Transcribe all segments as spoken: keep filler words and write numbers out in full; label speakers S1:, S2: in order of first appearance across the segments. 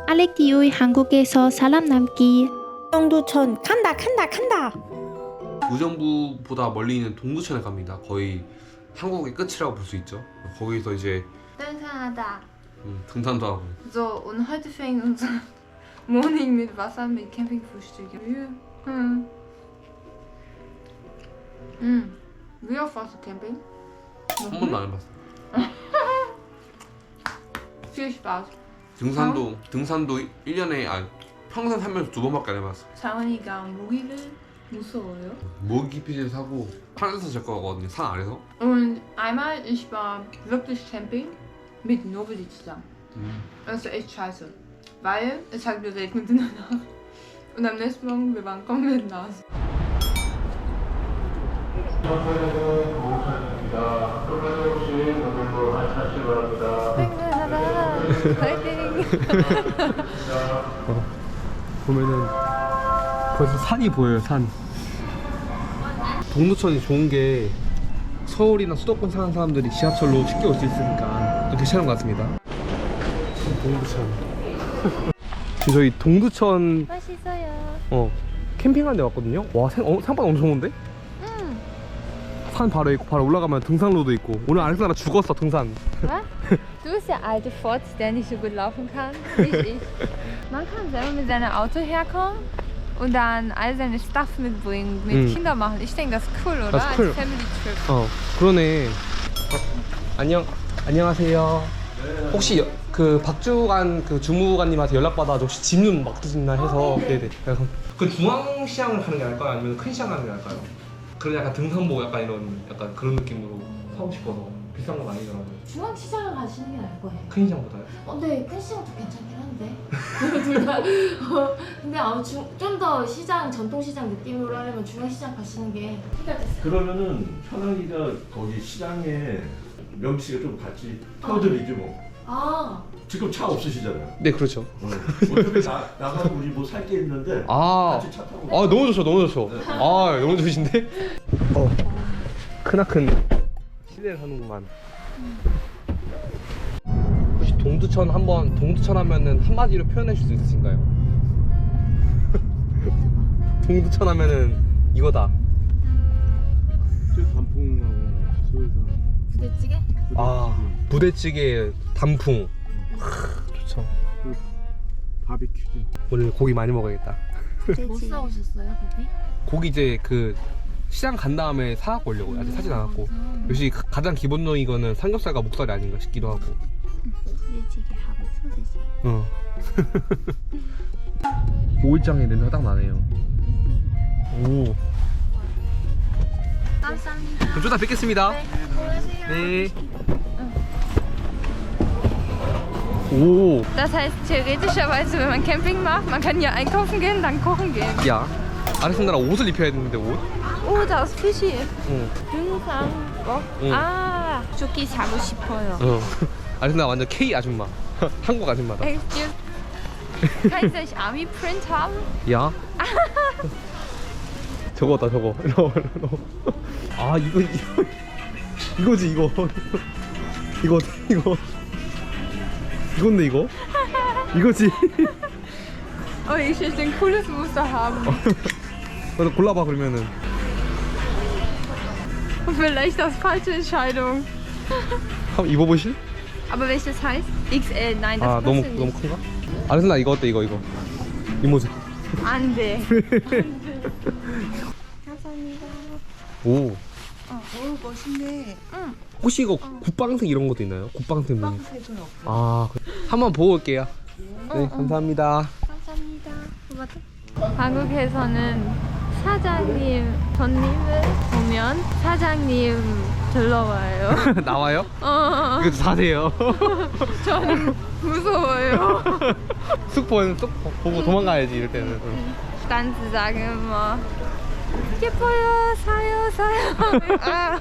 S1: 알렉티우의 한국에서 사람 남기.
S2: 동두천 간다 간다 간다.
S3: 의정부보다 멀리 있는 동두천에 갑니다. 거의 한국의 끝이라고 볼 수 있죠. 거기서 이제
S4: 등산하다.
S3: 음, 등산도 하고.
S4: So, und heute fängt unser Morning mit Wasser mit Campingfrühstück. Hm. Hm. Wie oft warst du Camping?
S3: 한 번도 안 해봤어.
S4: Viel Spaß.
S3: 등산도 등산도 일 년에 아 평생 살면서 두 번밖에 안 해봤어.
S4: 장원이가 모기를 무서워요.
S3: 모기 피질 사고 산에서 잘 거거든요. 산 아래서.
S4: Und einmal, ich war wirklich Camping mit Nobody zusammen.
S3: 음.
S4: Das war echt scheiße. Weil es hat geregnet in der Nacht. Und am nächsten Morgen, wir waren komplett nass.
S3: 보면은 벌써 산이 보여요. 산. 동두천이 좋은 게 서울이나 수도권 사는 사람들이 지하철로 쉽게 올 수 있으니까 또 괜찮은 것 같습니다. 동두천. 지금 저희 동두천
S1: 맛있어요.
S3: 어 캠핑하는 데 왔거든요. 와 생, 어, 생각보다 엄청 좋은데?
S1: 응.
S3: 산 바로 있고 바로 올라가면 등산로도 있고. 오늘 알렉산드라 죽었어 등산.
S4: Was? Du bist der alte Fotz, der nicht so gut laufen kann, wie ich. Man kann selber mit seinem Auto herkommen und dann all seine Stuff mitbringen, mit
S3: Mhm.
S4: Kindern machen. Ich denke, das ist cool, oder?
S3: Das ist cool.
S4: Als Family Trip.
S3: 어 그러네. 어, 안녕 안녕하세요. 혹시 여- 그 박주관 그 주무관님한테 연락 받아 혹시 짐 좀 맡기시나 해서 네네. 그래서 그 중앙시장을 가는 게 나을까요? 아니면 큰 시장 가는 게 나을까요? 그런 약간 등산복 약간 이런 약간 그런 느낌으로 사고 싶어서 비싼 건 아니더라고요.
S2: 중앙시장을 가시는 게 나을 거예요.
S3: 큰 시장보다요?
S2: 어, 근데 큰 시장도 괜찮긴 한데 둘 다. 어, 근데 아마 좀 더 시장 전통시장 느낌으로 하려면 중앙시장 가시는 게 해결됐어요.
S5: 그러면은 현아이가 거기 시장에 명치가 좀 같이 태워드리지 뭐.
S2: 아,
S5: 지금 차 없으시잖아요.
S3: 네 그렇죠.
S5: 어. 어차피 나, 나가고 우리 뭐 살 게 있는데
S3: 아,
S5: 같이 차 타고
S3: 아 너무 좋죠 너무 좋죠.
S5: 네.
S3: 아 너무 좋으신데? 어 크나큰 시대를 하는구만. 혹시 동두천 한번 동두천 하면은 한마디로 표현해 줄 수 있으신가요? 동두천 하면은 이거다.
S6: 단풍하고 소회상
S2: 부대찌개?
S3: 아 부대찌개 단풍. 크, 좋죠.
S6: 바비큐죠.
S3: 오늘 고기 많이 먹어야겠다.
S2: 못 사오셨어요, 거기?
S3: 고기 이제 그 시장 간 다음에 사갖고 오려고 아직 사진 않았고. 역시 가- 가장 기본적인 거는 삼겹살과 목살이 아닌가 싶기도 하고.
S1: 부대찌개하고 소세지.
S3: 어. 오일장의 냄새가 딱 나네요. 오.
S1: 감사합니다.
S3: 그럼 좀 이따 뵙겠습니다. 네. 오.
S4: Das heißt, theoretischerweise, wenn man Camping macht, man kann hier einkaufen gehen, dann kochen gehen.
S3: 야. 알렉산드라 옷을 입혀야 되는데 옷?
S4: Oh, da ist Fischi.
S3: 응.
S4: 등산복.
S3: 응.
S4: 아, 조끼 사고 싶어요.
S3: 어. 알렉산드라 완전 K 아줌마. 한국 아줌마다.
S4: Excuse. Kann ich Army Print haben?
S3: 야. 저거다 저거. 이거 이거. 아 이거 이거 이거지 이거. 이거 이거. 이건데 이거? 이거지.
S4: Oh, ich will ein cooles Muster haben.
S3: 그래서 골라봐 그러면은.
S4: Vielleicht das falsche Entscheidung.
S3: 한번 입어보실?
S4: Aber welches heißt? X L. Nein, das
S3: 아 너무
S4: passt
S3: 너무
S4: nicht.
S3: 큰가? 알렉산드라 이거 어때 이거 이거? 이 모자.
S4: Ande.
S3: 오.
S7: 어우 멋있네.
S3: 혹시 이거 굿방색 이런 것도 있나요? 굿방색 뭐?
S7: 빵색은 없고.
S3: 아 그래. 한번 보고 올게요. 네 감사합니다.
S4: 감사합니다. 한국에서는 사장님, 손님을 보면 사장님 들러와요.
S3: 나와요?
S4: 어,
S3: 이거 사세요.
S4: 저는 무서워요.
S3: 쑥 보면 쑥 보고 도망가야지 이럴 때는.
S4: Ganze sagen immer, 예뻐요, 사요, 사요. 아.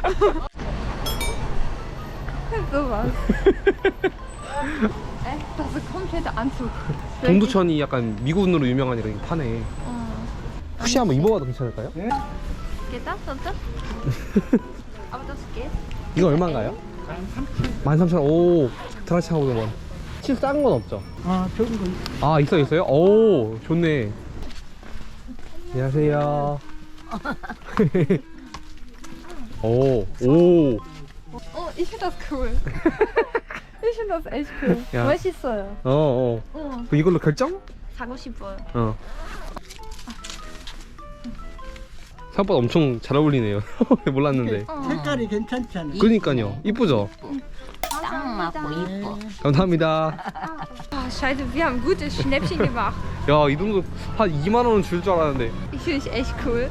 S4: Sowas. Echt, das ist ein kompletter Anzug.
S3: 동두천이 약간 미군으로 유명하니까 이거 파네.
S4: 어.
S3: 혹시 한번 입어봐도 괜찮을까요?
S4: Geht das, oder? Aber das geht.
S3: 이거 얼마인가요? 만 삼천 원. 오, 드라치하고 원. 치즈 싼 건 없죠?
S7: 아, 좋은 거 있어.
S3: 아 있어 있어요? 오 좋네. 안녕하세요. 오 오.
S4: Oh, ich finde das cool. Ich finde das echt cool.
S3: Ja.
S4: 멋있어요.
S3: 어 어.
S4: 응.
S3: 그 이걸로 결정?
S4: 사고 싶어요.
S3: 어. 생각보다 엄청 잘 어울리네요. 몰랐는데.
S7: 색깔이 괜찮잖아.
S3: 그러니까요. 이쁘죠?
S1: 딱 맞고 이뻐.
S3: 감사합니다.
S4: Oh, scheiße, wir haben ein gutes Schnäppchen gemacht.
S3: 야, 이 정도 한 이만 원은 줄 줄 알았는데.
S4: Ich finde es echt cool.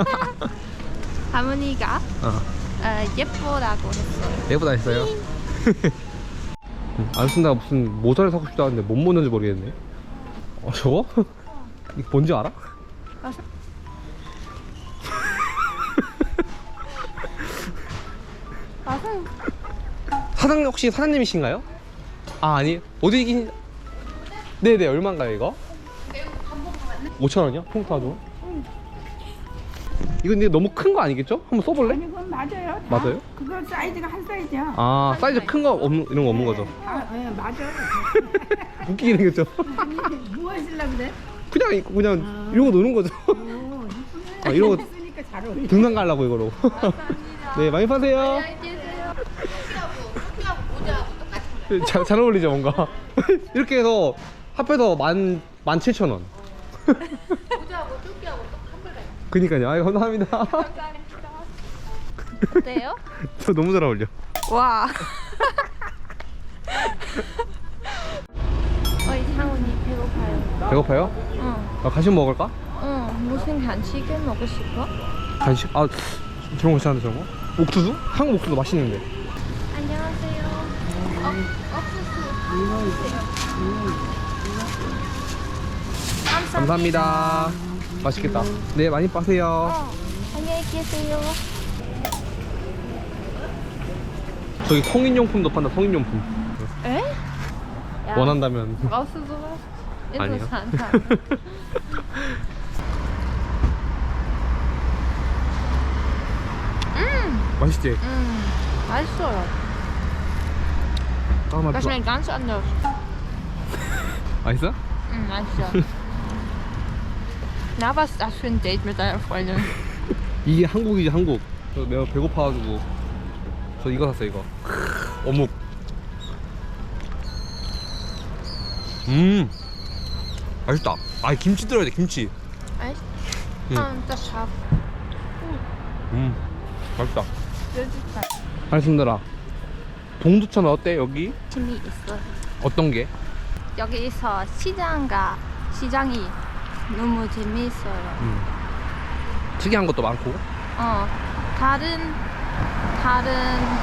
S4: 할머니가
S3: 어.
S4: 어, 예뻐라고 했어요.
S3: 예쁘다 했어요. 알순다가 무슨 모자를 사고 싶다 하는데 뭔 모자인지 모르겠네. 어, 저거? 이거 뭔지 알아?
S4: 맞아요.
S3: 사장님 혹시 사장님이신가요? 아 아니 어디 긴 네네 얼마인가요 이거? 오천 원이요? 통타도? 이거 근데 너무 큰 거 아니겠죠? 한번 써볼래?
S8: 아니 그건 맞아요. 다.
S3: 맞아요?
S8: 그거 사이즈가 한 사이즈야.
S3: 아 사이즈 큰 거 없는 이런 거 없는 거죠?
S8: 아, 예, 맞아.
S3: 웃기긴 생겼죠?
S8: 뭐 하시려고 그래?
S3: 그냥 이거 그냥 이런 거 노는 거죠?
S8: 오, 이쁘네.
S3: 아, 이런 거
S8: 쓰니까 잘 어울려.
S3: 등산 가려고 이거로. 네 많이 파세요. 잘, 잘 어울리죠 뭔가. 이렇게 해서 합해서 만, 만 칠천 원.
S1: 모자하고 뚜끼하고 똑한 벌.
S3: 그니까요. 아이 감사합니다.
S4: 어때요?
S3: 저 너무 잘 어울려.
S4: 와. 어이 상훈이 배고파요.
S3: 배고파요?
S4: 응.
S3: 아, 간식 먹을까?
S4: 응. 무슨 간식을 먹고 싶어?
S3: 간식? 아 저런 거 괜찮은데 저런 거? 옥수수? 한국 옥수수 맛있는데.
S4: 안녕하세요. 어, 옥수수.
S3: 감사합니다. 맛있겠다. 네 많이 빠세요.
S4: 어, 안녕히 계세요.
S3: 저기 성인용품도 판다. 성인용품.
S4: 에? 야,
S3: 원한다면.
S4: brauchst du sowas?
S3: 아니요.
S4: Interessant.
S3: 맛있지?
S4: 음, 맛있어요.
S3: 아, 맛
S4: Das schmeckt ganz anders.
S3: 맛있어?
S4: 음, 맛있어. Na, was ist das für ein Date mit deiner Freundin?
S3: 이게 한국이지 한국. 저 내가 배고파가지고 저 이거 샀어 이거. 크으, 어묵. 음 맛있다. 아 김치 들어야 돼 김치.
S4: Echt?
S3: 응.
S4: Und das scharf.
S3: 음 맛있다.
S4: Süßigkeit.
S3: 알순들아 동두천 어때 여기?
S1: 재미있어.
S3: 어떤 게?
S1: 여기서 시장가 시장이 너무 재미있어요.
S3: 음. 특이한 것도 많고.
S1: 어 다른 다른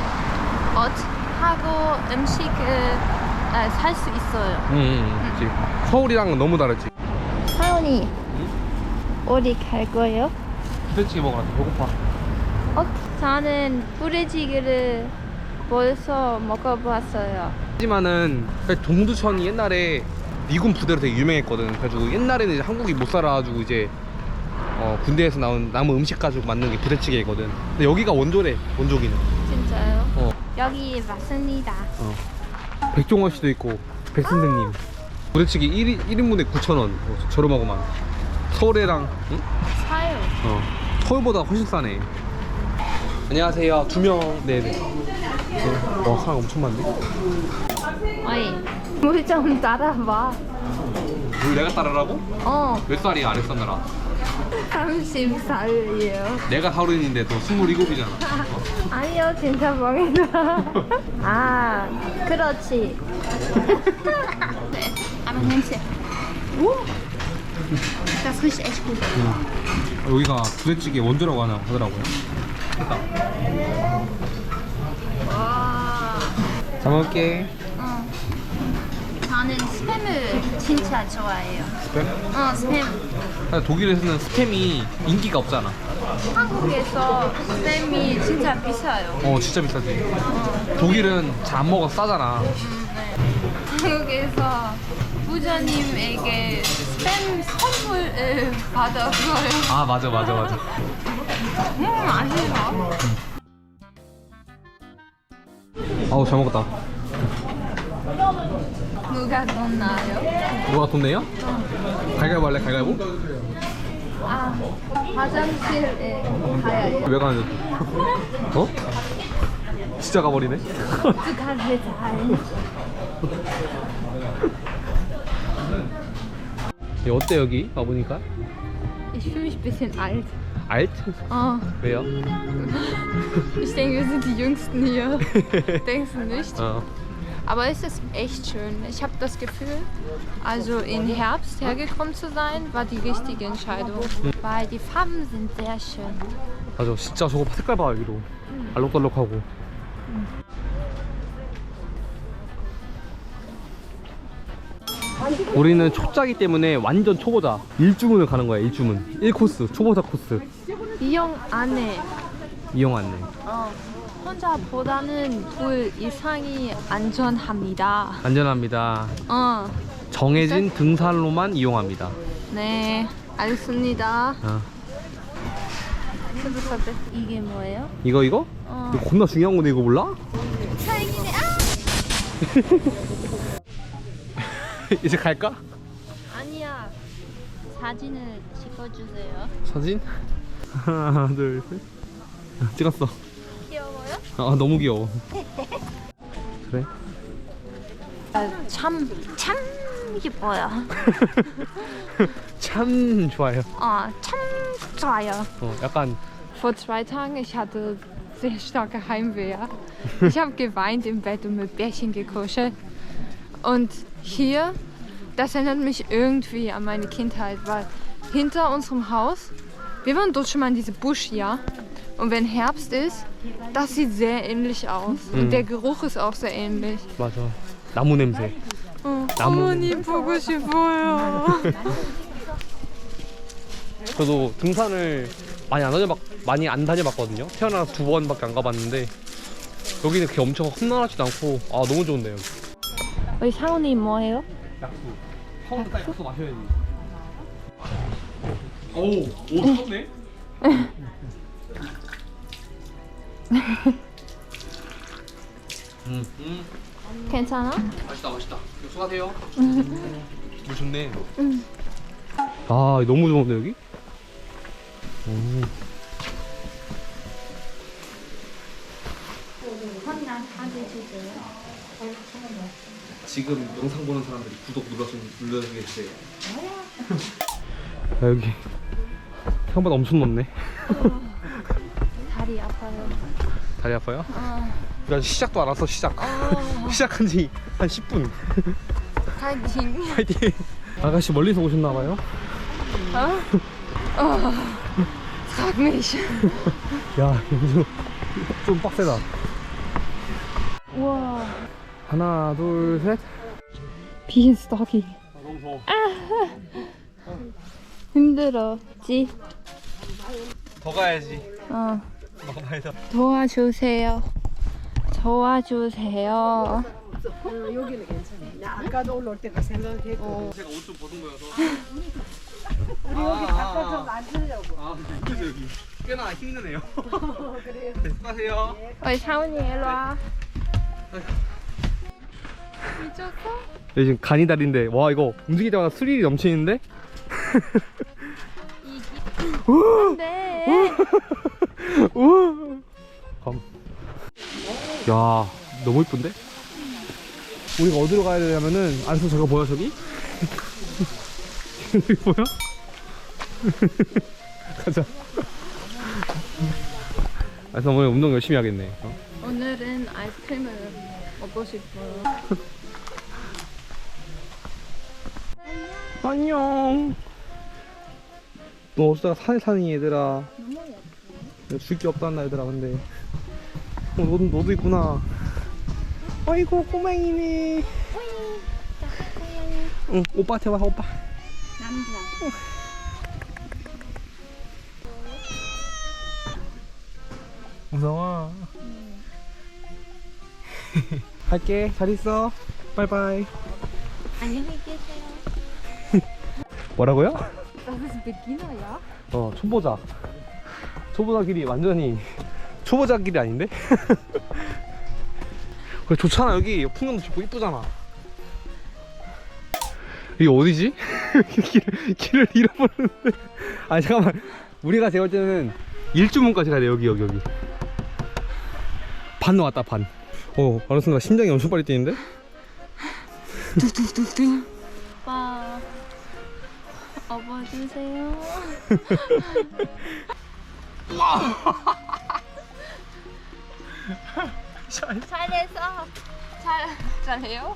S1: 옷하고 음식을 살 수 있어요.
S3: 음, 음 그치. 서울이랑은 너무 다르지.
S1: 하은이 어디 갈 거예요?
S3: 부대찌개 먹으러 왔어. 배고파.
S1: 어, 저는 부대찌개를 벌써 먹어봤어요.
S3: 하지만은 동두천이 옛날에 미군 부대로 되게 유명했거든. 그래가지고 옛날에는 이제 한국이 못 살아가지고 이제 어, 군대에서 나온 남은 음식 가지고 만든 게 부대찌개거든. 근데 여기가 원조래. 원조기는.
S1: 진짜요?
S3: 어.
S1: 여기 맞습니다.
S3: 어. 백종원 씨도 있고 백선생님. 부대찌개 일 인, 일 인분에 구천 원. 어, 저렴하고만. 서울에랑 응?
S1: 사요.
S3: 어. 서울보다 훨씬 싸네. 안녕하세요. 두 명. 네네. 네. 와 사람 엄청 많네.
S1: 어이 물 좀 따라봐.
S3: 뭘 내가 따르라고?
S1: 어
S3: 몇 살이야 아랫사느라?
S1: 삼십 살이에요.
S3: 내가 서른인데 너 스물일곱이잖아.
S1: 아니요 진짜 멍이다. 아 그렇지. 네, aber 냄새. 오, das riecht echt gut.
S3: 응. 여기가 부대찌개 원조라고 하나 하더라고요. 됐다.
S1: 와.
S3: 잘 먹을게.
S1: 어. 저는 스팸을 진짜 좋아해요.
S3: 스팸?
S1: 어 스팸.
S3: 사실 독일에서는 스팸이 인기가 없잖아.
S1: 한국에서 스팸이 진짜 비싸요.
S3: 어 진짜 비싸지. 독일은 잘 안 먹어서 싸잖아.
S1: 한국에서 부자님에게 스팸 선물을 받았어요.
S3: 아 맞아 맞아 맞아.
S1: 음 맛있어.
S3: 아우 잘 먹었다.
S4: 누가 돈 나요?
S3: 누가 돈 내요? 갈갈보 할래? 갈갈보?
S4: 아, 화장실에 가야죠.
S3: 왜 가는데? 어? 진짜 가버리네?
S4: 어떡하지, 잘.
S3: 어때 여기 와보니까?
S4: Ich fühle mich ein bisschen alt.
S3: alt?
S4: Oh,
S3: 왜요?
S4: ich denke, wir sind die Jüngsten hier. Denkst du nicht?
S3: 어.
S4: Aber es ist echt schön. Ich habe das Gefühl, also im Herbst hergekommen zu sein, war die richtige Entscheidung. Weil die Farben sind sehr schön.
S3: 맞아 진짜 저거 색깔 봐 여기도 알록달록하고. 우리는 초짜기 때문에 완전 초보자 일주문을 가는 거야. 일주문 일 코스 초보자 코스
S4: 이용 안에
S3: 이용 안내.
S4: 어, 혼자보다는 둘 이상이 안전합니다.
S3: 안전합니다.
S4: 어,
S3: 정해진 등산로만 이용합니다.
S4: 네, 알겠습니다.
S3: 어.
S4: 이게 뭐예요?
S3: 이거 이거?
S4: 어.
S3: 이거 겁나 중요한 건데 이거 몰라?
S4: 다행이네. 아!
S3: 이제 갈까?
S1: 아니야. 사진을 찍어주세요.
S3: 사진? 하나 둘 셋. 찍었어.
S1: 귀여워요?
S3: 아 너무 귀여워. 그래?
S1: 참, 참 예뻐요.
S3: 참 좋아요.
S1: 어, 참 좋아요.
S3: 어 약간
S4: Vor zwei Tagen, ich hatte sehr starke Heimweh. Ja. Ich habe geweint im Bett und mit Bärchen gekuschelt. Und hier, das erinnert mich irgendwie an meine Kindheit, weil hinter unserem Haus, wir waren dort schon mal in diesem Busch, ja. Und wenn Herbst ist, das sieht sehr ähnlich aus.
S3: Mhm.
S4: Und der Geruch ist auch sehr ähnlich.
S3: 맞아. 나무 냄새.
S4: 어,
S3: 나무.
S4: 어머니 보고 싶어요.
S3: 저도 등산을 많이 안 다녀봤 많이 안 다녀봤거든요. 태어나서 두 번밖에 안 가봤는데 여기는 그렇게 엄청 험난하지도 않고 아 너무 좋은데요.
S1: 우리 사원이 뭐예요?
S3: 약수. 처음부터 딱 약수 마셔야지. 오오 쳤네. 음, 음.
S1: 괜찮아?
S3: 맛있다 맛있다. 수고하세요. 물 좋네. 아 너무 좋은데 여기? 오. 지금 영상 보는 사람들이 구독 눌러서 눌러주겠어요. 아, 여기 생각보다 엄청 높네.
S1: 다리 아파요.
S3: 다리 아파요?
S1: 어,
S3: 우리 아직 시작도 안 왔어. 시작. 시작한 지 한 십 분.
S4: 파이팅.
S3: 파이팅. 아가씨 멀리서 오셨나봐요?
S4: Oh, frag mich.
S3: 야 여기서 좀 빡세다.
S1: 우와.
S3: 하나 둘 셋.
S4: 비인스토키.
S3: 아, 너무 더워.
S1: 힘들었지?
S3: 더 가야지.
S1: 어.
S3: 더 가야죠.
S1: 도와주세요. 도와주세요.
S8: 여기는 괜찮아. 나 아까도 올라올 때가 생각했고.
S3: 제가 옷 좀 벗은 거여서.
S8: 우리 여기 바꿔서 만들려고.
S3: 아 그래서 여기 꽤나 힘드네요. 그래요. 네, 수고하세요.
S4: 어이 사원이 일로 와. 미쳤어?
S3: 여기 지금 간이다리인데 와 이거 움직일 때마다 스릴이 넘치는데?
S1: 네.
S3: 우와. 감. 야 너무 이쁜데? 우리가 어디로 가야 되냐면은 안에서 저거 보여 저기? 여기 보여? 가자. 그래서 오늘 운동 열심히 하겠네. 어?
S4: 오늘은 아이스크림을 먹고 싶어요.
S3: 안녕. 너 어쩌다가 산에 사니 얘들아. 줄 게 없단다 얘들아. 근데 어, 너도, 너도 있구나. 아이고 꼬맹이네. 응 오빠한테 와 오빠.
S1: 남자.
S3: 무서워. 갈게. 잘 있어. 바이바이.
S1: 안녕히 계세요.
S3: 뭐라고요?
S4: Das ist Beginner, ja?
S3: 어 초보자. 초보자 길이 완전히 초보자 길이 아닌데? 그래 좋잖아 여기 풍경도 좋고 이쁘잖아. 이게 어디지? 길을, 길을 잃어버렸는데. 아 잠깐만. 우리가 제가 볼 때는 일주문까지 가야 돼. 여기 여기 여기. 반 나왔다 반. 어 어느 순간 심장이 엄청 빨리 뛰는데?
S1: 오빠 업어주세요. 잘했어. 잘 잘해요?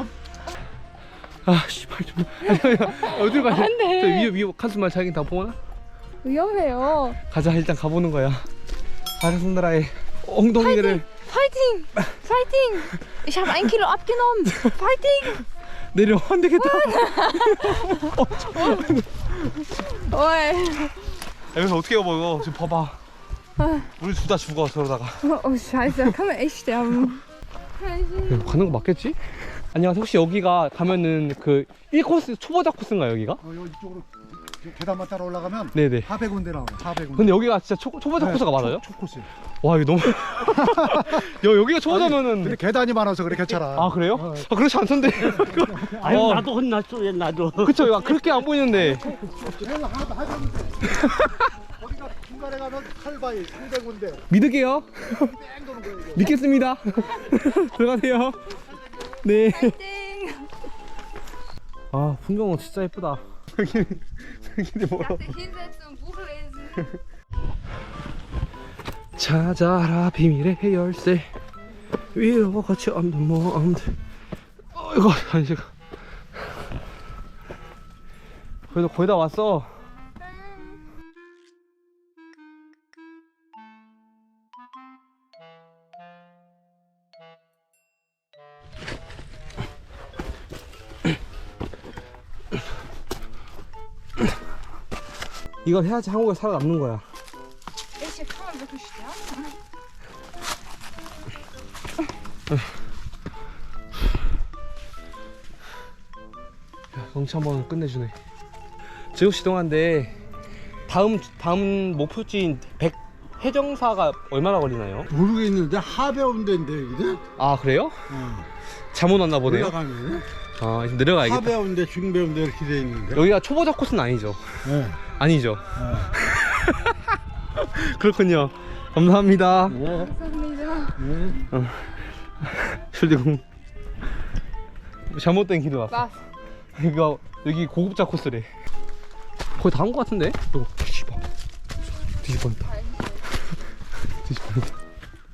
S3: 아 씨발 좀. 어디로 가냐? 안돼. 저 위에 위에 칸수만 자기 다 보나?
S4: 위험해요.
S3: 가자 일단 가보는 거야. 아르손드라의 엉덩이를
S4: Fighting! Fighting! Ich habe ein Kilo abgenommen. Fighting!
S3: 내려. 안 되겠다.
S4: Oi.
S3: 여기서 어떻게 해봐 이거. 지금 봐봐. 우리 둘 다 죽어 저러다가.
S4: Oh Scheiße, da kann man echt sterben.
S3: 가는 거 맞겠지? 안녕하세요. 혹시 여기가 가면은 그 일 코스 초보자 코스인가요 여기가?
S9: 어, 여기 이쪽으로 계단만 따라 올라가면
S3: 네네.
S9: 사백 군데 나와요. 사백 군데.
S3: 근데 여기가 진짜 초, 초보자
S9: 네,
S3: 코스가 많아요?
S9: 초, 초코스.
S3: 와 이거 너무 여, 여기가 초보자면은
S9: 근데 계단이 많아서 그래 괜찮아.
S3: 아 그래요?
S9: 어.
S3: 아 그렇지 않던데.
S7: 아유
S3: 어.
S7: 나도 혼났어 얘 나도.
S3: 그쵸. 야, 그렇게 안 보이는데.
S9: 내가 하다 하던데. 거기가 중간에 가면 칼바위 삼백 군데.
S3: 믿을게요.
S9: 뺑 도는 거예요. 이거.
S3: 믿겠습니다. 들어가세요. 네. 아 풍경은 진짜 예쁘다. 여기는 여기는 뭐야?
S4: Hinsetzen und Buch lesen.
S3: 찾아라 비밀의 열쇠 위로 같이 없는 몸들. 어이구 한식. 그래도 거의 다 왔어. 이걸 해야지 한국에 살아남는 거야.
S4: Ich kann man wirklich sterben?
S3: 경치 한번 끝내주네. 제육 시 동안데 다음 다음 목표지인 백 해정사가 얼마나 걸리나요?
S6: 모르겠는데 하배운 데인데 여기는?
S3: 아 그래요?
S6: 어.
S3: 잘못 왔나 보네요.
S6: 올라가면
S3: 아 이제 내려가야겠다.
S6: 하배운 데 중배운 데 이렇게 돼 있는데.
S3: 여기가 초보자 코스는 아니죠?
S6: 네.
S3: 아니죠?
S6: 네.
S3: 그렇군요. 감사합니다.
S6: 네.
S4: 감사합니다.
S6: 네.
S3: 어. 슐디공 잘못된 길을 왔어.
S4: Was?
S3: 여기가 여기 고급자 코스래. 거의 다 온 것 같은데? 이거 뒤집어. 뒤집어냈다. 뒤집어냈다.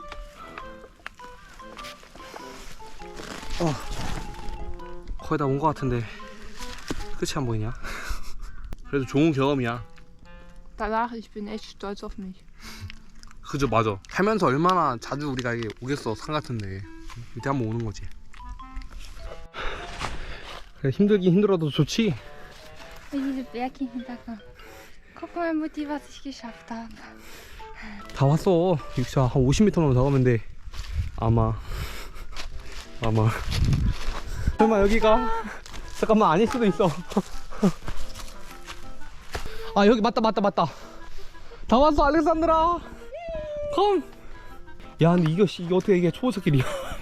S3: 어. 거의 다 온 것 같은데 끝이 안 보이냐? 그래도 좋은 경험이야.
S4: Danach, ich bin echt stolz auf mich.
S3: 그죠, 맞아. 살면서 얼마나 자주 우리가 이게 오겠어 산 같은데 이때 한번 오는 거지. 그래, 힘들긴 힘들어도 좋지.
S4: Diese Berge im Hintergrund. Guck mal, Mutti, was ich geschafft habe.
S3: 다 왔어. 진짜 한 오십 미터만 더 가면 돼. 아마 아마 설마 여기가 잠깐만 아닐 수도 있어. 아 여기 맞다 맞다 맞다. 다 왔어 알렉산드라. 컴. 야 근데 이거 이게 어떻게 이게 초보자 길이야.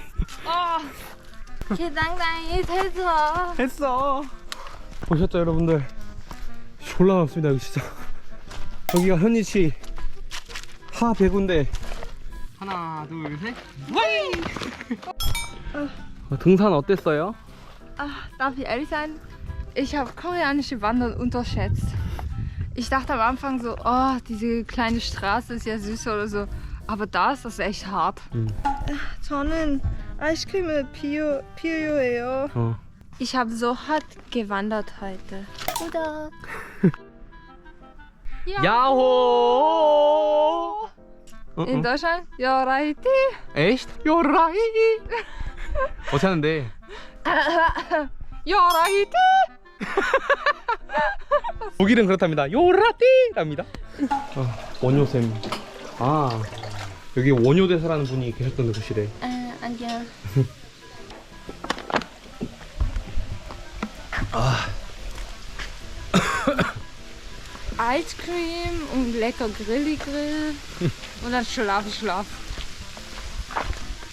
S1: 개당당히 됐어.
S3: 했어. 보셨죠 여러분들? 졸라 많습니다 여기 진짜. 여기가 현이치 하 배구인데 하나 둘 셋. 어, 등산 어땠어요?
S4: Ach, darf ich ehrlich sein? Ich habe koreanische Wandern unterschätzt. Ich dachte am Anfang so, oh, diese kleine Straße ist ja süß oder so. Aber das, das ist echt hart.
S3: 음.
S4: 저는 아이스크림을 필요, 필요해요.
S3: 어.
S4: Ich habe so hart gewandert heute.
S1: 구독.
S3: 야호.
S4: In Deutschland? Ja, right.
S3: echt? 요라이. 어쩌는데?
S4: Ja, right.
S3: 독일은 그렇답니다. 요라띠랍니다. 어, 원효쌤. 아 여기 원효대사라는 분이 계셨던 곳이래.
S1: 아, 안녕.
S4: Eiscreme und lecker Grilli-Grill. Und dann Schlaf, Schlaf.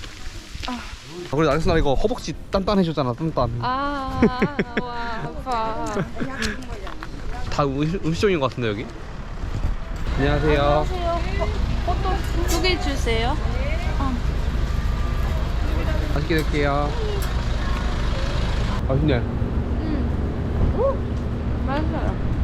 S3: 아, 그래도 알렉산드라 이거 허벅지 단단해졌잖아. 단단.
S4: Ah, wow, wow.
S3: 다 음- 음식점인 것 같은데 여기? 안녕하세요.
S1: 두 개 주세요.
S3: 맛있게 드릴게요. 맛있네.
S4: 맞아요.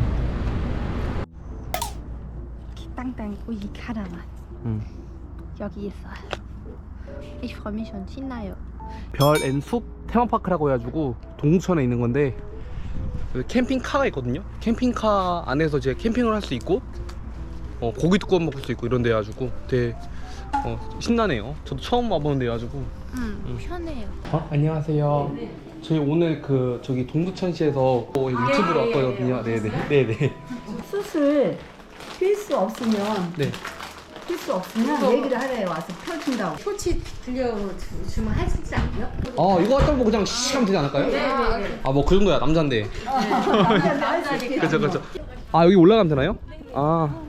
S1: 땅땅 우유 카라만.
S3: 음.
S1: 여기 있어요. Ich freue mich schon. 신나요.
S3: 별앤숲 테마파크라고 해가지고 동두천에 있는 건데 여기 캠핑카가 있거든요. 캠핑카 안에서 이제 캠핑을 할 수 있고 어, 고기도 구워 먹을 수 있고 이런 데 해가지고 되게 어, 신나네요. 저도 처음 와보는 데 해가지고.
S1: 음, 편해요.
S3: 어? 안녕하세요. 저희 오늘 그 저기 동두천시에서 어, 유튜브로 왔거든요. 네네. 네네.
S8: 수술 필수 없으면
S3: 네.
S8: 필수 없으면 얘기를 하래요. 와서 펴준다고. 표치 들려주면 할 수 있지 않고요?
S3: 아 이거 갖다 뭐 그냥 씩 하면 되지 않을까요?
S8: 네네네.
S3: 아 뭐 그 정도야 남잔데.
S8: 남자는 할수 있게.
S3: 그쵸 그쵸. 아 여기 올라가면 되나요? 아.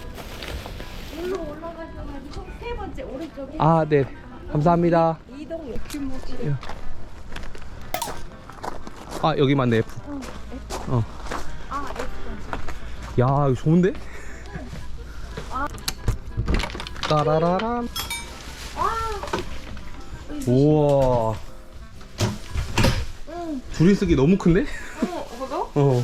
S8: 세 번째 오른쪽에
S3: 아 네. 감사합니다.
S8: 이동
S3: 아 여기 맞네 F. 어. 야 이거 좋은데? 따라라란. 우와. 둘이 쓰기 너무 큰데? 어.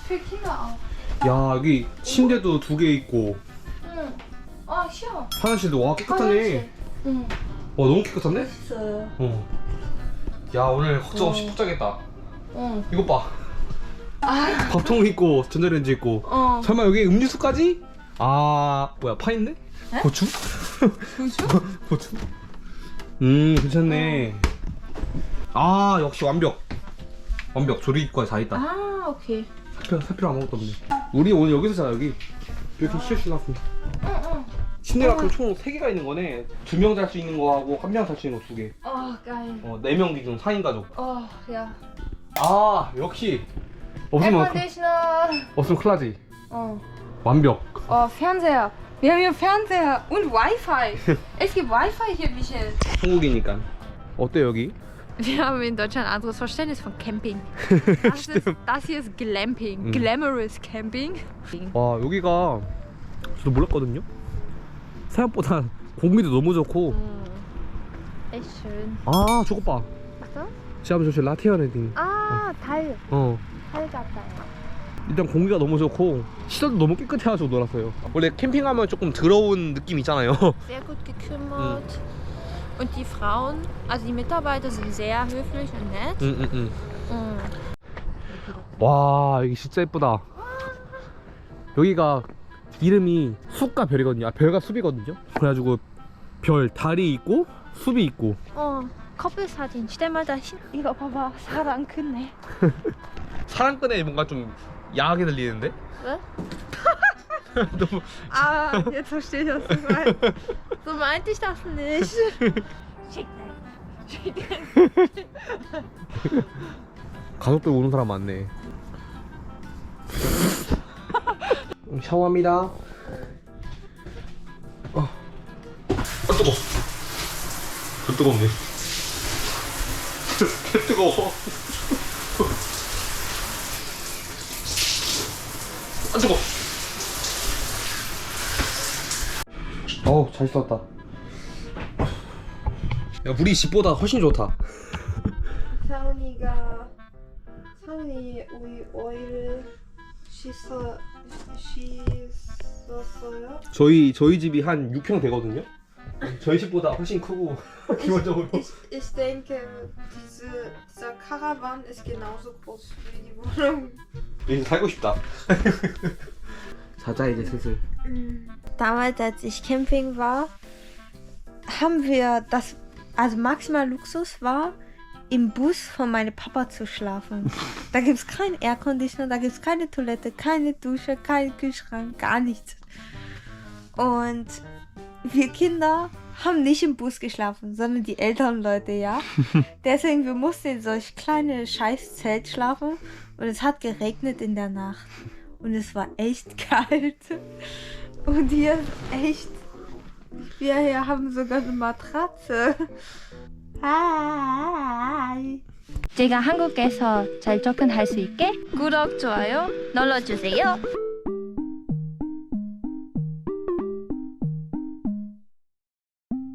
S3: 야 여기 침대도 두 개 있고.
S2: 아 쉬워.
S3: 화장실도 와 깨끗하네.
S2: 응.
S3: 와 너무 깨끗한데?
S2: 있어요.
S3: 어. 야 오늘 걱정 없이 푹 자겠다.
S2: 응.
S3: 이것 봐. 밥통 있고 전자레인지 있고.
S2: 어.
S3: 설마 여기 음료수까지? 아 뭐야 파 있네? 고추? 고추? 고추? 음 괜찮네. 아 역시 완벽. 완벽 조리기까지 다 있다.
S2: 아 오케이.
S3: 사표 사표 아무것도 없네. 우리 오늘 여기서 자 여기. 이렇게 쉬어쉬어 놨습니다.
S2: 응응.
S3: 침대가 그럼 총 세 개가 있는 거네. 두 명 잘 수 있는 거하고 한 명 잘 수 있는 거 두 개.
S2: 어 geil.
S3: 어, 네 명 기준 사 인 가족.
S2: Oh ja.
S3: 아 역시 없으면 큰-
S2: Air-Conditioner.
S3: 없으면 큰일 나지.
S2: Oh.
S3: 완벽.
S4: Oh, Fernseher. Wir haben hier Fernseher und Wi-Fi. Es gibt Wi-Fi hier, Michel.
S3: 한국이니까. 어때 여기?
S1: Wir haben in Deutschland ein anderes Verständnis von Camping. Das, ist, das hier ist Glamping.
S3: Mhm.
S1: Glamorous Camping.
S3: 와 여기가 저도 몰랐거든요. 생각보다 공기도 너무 좋고.
S1: Echt schön.
S3: 아 저것 봐.
S1: Was?
S3: 지금 저기 라티아레딩.
S1: Ah, Teil.
S3: 어.
S1: Teil 같아요.
S3: 일단 공기가 너무 좋고 시설도 너무 깨끗해가지고 놀았어요. 원래 캠핑하면 조금 더러운 느낌 있잖아요.
S1: Sehr gut gekümmert. Und die Frauen, also die Mitarbeiter sind sehr höflich und nett.
S3: 응응응.
S1: Mm.
S3: 와 여기 진짜 예쁘다. 여기가 이름이 숲과 별이거든요. 아, 별과 숲이거든요. 그래가지고 별 달이 있고 숲이 있고.
S1: Oh, Koppelsatin. Stell mal da hin. 이거 봐봐. 사랑 크네.
S3: 사랑꾼에 뭔가 좀 야하게 들리는데?
S1: 왜?
S3: 너무
S1: Ah, jetzt verstehe ich, was du meinst. So meinte ich das nicht.
S3: 가족들 오는 사람 많네. 샤워합니다. 어. 아 뜨거. 그 뜨겁네. 개 뜨거워. 안 뜨거. 어우 잘 썼다. 야 물이 집보다 훨씬 좋다.
S2: 사은이가 사은이 우리 오이를 씻어 씻었어요?
S3: 저희 저희 집이 한 육 평 되거든요. 저희 집보다 훨씬 크고 기본적으로.
S2: Ich, ich denke, diese, dieser Caravan ist genauso groß wie die Wohnung.
S3: 여기서 살고 싶다. 자자 이제 슬슬.
S2: Damals, als ich Camping war, haben wir das, also maximal Luxus war, im Bus von meinem Papa zu schlafen. Da gibt es keinen Airconditioner, da gibt es keine Toilette, keine Dusche, keinen Kühlschrank, gar nichts. Und wir Kinder haben nicht im Bus geschlafen, sondern die älteren Leute, ja. Deswegen, wir mussten in solch kleine Scheißzelt schlafen und es hat geregnet in der Nacht. Und es war echt kalt. Und hier ist echt... Wir hier haben sogar eine Matratze. Hi.
S1: 제가 한국에서 잘 접근할 수 있게 구독, 좋아요 눌러주세요.